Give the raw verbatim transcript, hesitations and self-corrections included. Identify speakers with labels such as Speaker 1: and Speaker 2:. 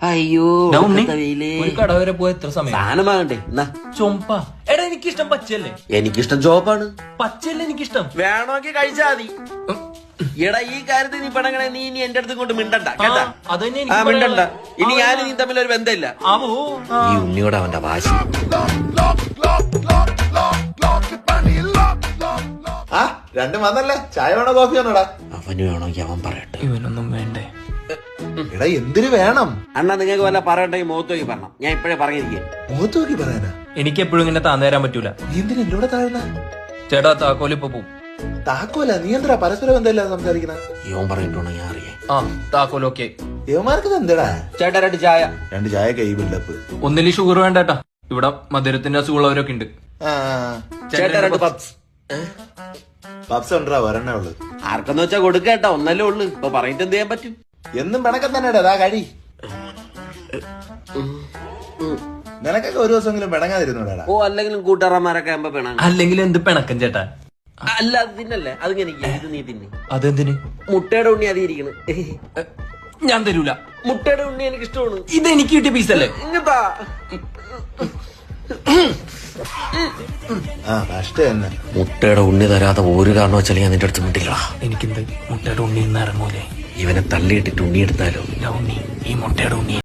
Speaker 1: അയ്യോ
Speaker 2: ഒരു കട വരെ പോയ എത്ര സമയം
Speaker 1: സാധനം വാങ്ങണ്ടേ എന്നാ
Speaker 2: ചൊമ്പ. എടാ എനിക്കിഷ്ടം പച്ചയല്ലേ.
Speaker 1: എനിക്കിഷ്ടം ചോപ്പാണ്.
Speaker 2: പച്ചയല്ലേ എനിക്കിഷ്ടം.
Speaker 1: വേണമെങ്കിൽ കഴിച്ചാ മതി. എടാ ഈ കാര്യത്തിൽ നീ പെണങ്ങണേ, നീ ഇനി എന്റെ അടുത്ത് കൊണ്ട് മിണ്ടണ്ട കേട്ടാ. ആ മിണ്ടണ്ട. ഇനി ഞാൻ നീ തമ്മിൽ ഒരു ബന്ധമില്ല. ഈ ഉണ്ണിയോട് അവന്റെ വാശി.
Speaker 3: ആ രണ്ടും വന്നല്ലേ. ചായ വേണോ കോഫി വേണോടാ?
Speaker 1: അവന് വേണമെങ്കിൽ അവൻ പറയട്ടെ.
Speaker 2: ഇവനൊന്നും വേണ്ടേ.
Speaker 3: എടാ എന്തിനു വേണം?
Speaker 1: അണ്ണാ നിങ്ങൾക്ക് വല്ല പറയണ്ടെങ്കിൽ മുഖത്ത് നോക്കി പറഞ്ഞ. ഞാൻ ഇപ്പഴേ പറഞ്ഞിരിക്കേ.
Speaker 3: മുഖത്ത് നോക്കി പറയാനാ?
Speaker 2: എനിക്ക് എപ്പോഴും ഇങ്ങനെ താന്നു തരാൻ പറ്റൂല.
Speaker 3: നീ എന്തിനാ എന്നോട് താഴ്ന്ന?
Speaker 2: ചേട്ടാ താക്കോല് ഇപ്പൊ പോവും.
Speaker 3: താക്കോല? നീ എന്താ പരസ്പരം ബന്ധമില്ല സംസാരിക്കണ?
Speaker 1: ഇവൻ പറഞ്ഞിട്ടുണ്ടോ ഞാൻ അറിയാം.
Speaker 2: ആ താക്കോല് ഓക്കെ.
Speaker 3: യവന്മാർക്ക് എന്താടാ?
Speaker 2: ചേട്ടാ രണ്ട് ചായ.
Speaker 3: രണ്ട് ചായ കൈ ബിൽഡപ്പ്.
Speaker 2: ഒന്നില് ഷുഗർ വേണ്ടേട്ടാ. ഇവിടെ മധുരത്തിന്റെ അസുഖമുള്ളവരൊക്കെ ഉണ്ട്.
Speaker 1: ചേട്ടാ രണ്ട് പപ്സ്.
Speaker 3: പപ്സ് ഉണ്ടാ ഒരെണ്ണേ ഉള്ളു.
Speaker 1: ആർക്കെന്ന് വെച്ചാ കൊടുക്കേട്ടാ, ഒന്നല്ലേ ഉള്ളു. ഇപ്പൊ പറഞ്ഞിട്ട് എന്ത് ചെയ്യാൻ പറ്റും?
Speaker 3: എന്നും പിണക്കം തന്നെടാ. അതാ കഴി. നിനക്കൊക്കെ ഒരു ദിവസമെങ്കിലും പിണങ്ങാതിരുന്നോടാ.
Speaker 1: ഓ അല്ലെങ്കിലും കൂട്ടുകാരന്മാരൊക്കെ ആകുമ്പോ പിണങ്ങ.
Speaker 2: അല്ലെങ്കിൽ എന്ത് പിണക്കം ചേട്ടാ?
Speaker 1: അല്ല അത് തിന്നല്ലേ, അതിങ്ങനെ ഇത് നീ തിന്നെ.
Speaker 2: അതെന്തിന്?
Speaker 1: മുട്ടയുടെ ഉണ്ണി അതിരിക്കണ്.
Speaker 2: ഞാൻ തരൂല.
Speaker 1: മുട്ടയുടെ ഉണ്ണി എനിക്ക് ഇഷ്ടമാണ്.
Speaker 2: ഇത് എനിക്ക് കിട്ടിയ പീസല്ലേ.
Speaker 1: ഇങ്ങത്താ
Speaker 3: ആ കഷ്ട തന്നെ.
Speaker 1: മുട്ടയുടെ ഉണ്ണി തരാതെ ഒരു കാരണം വെച്ചാൽ ഞാൻ നിന്റെ അടുത്ത് വിട്ടില്ല.
Speaker 2: എനിക്കെന്ത് മുട്ടയുടെ ഉണ്ണി ഇന്ന് ഇറങ്ങൂലേ?
Speaker 1: ഇവനെ തള്ളിയിട്ടിട്ട് ഉണ്ണി എടുത്താലോ?
Speaker 2: ഉണ്ണി ഈ മുട്ടയുടെ ഉണ്ണി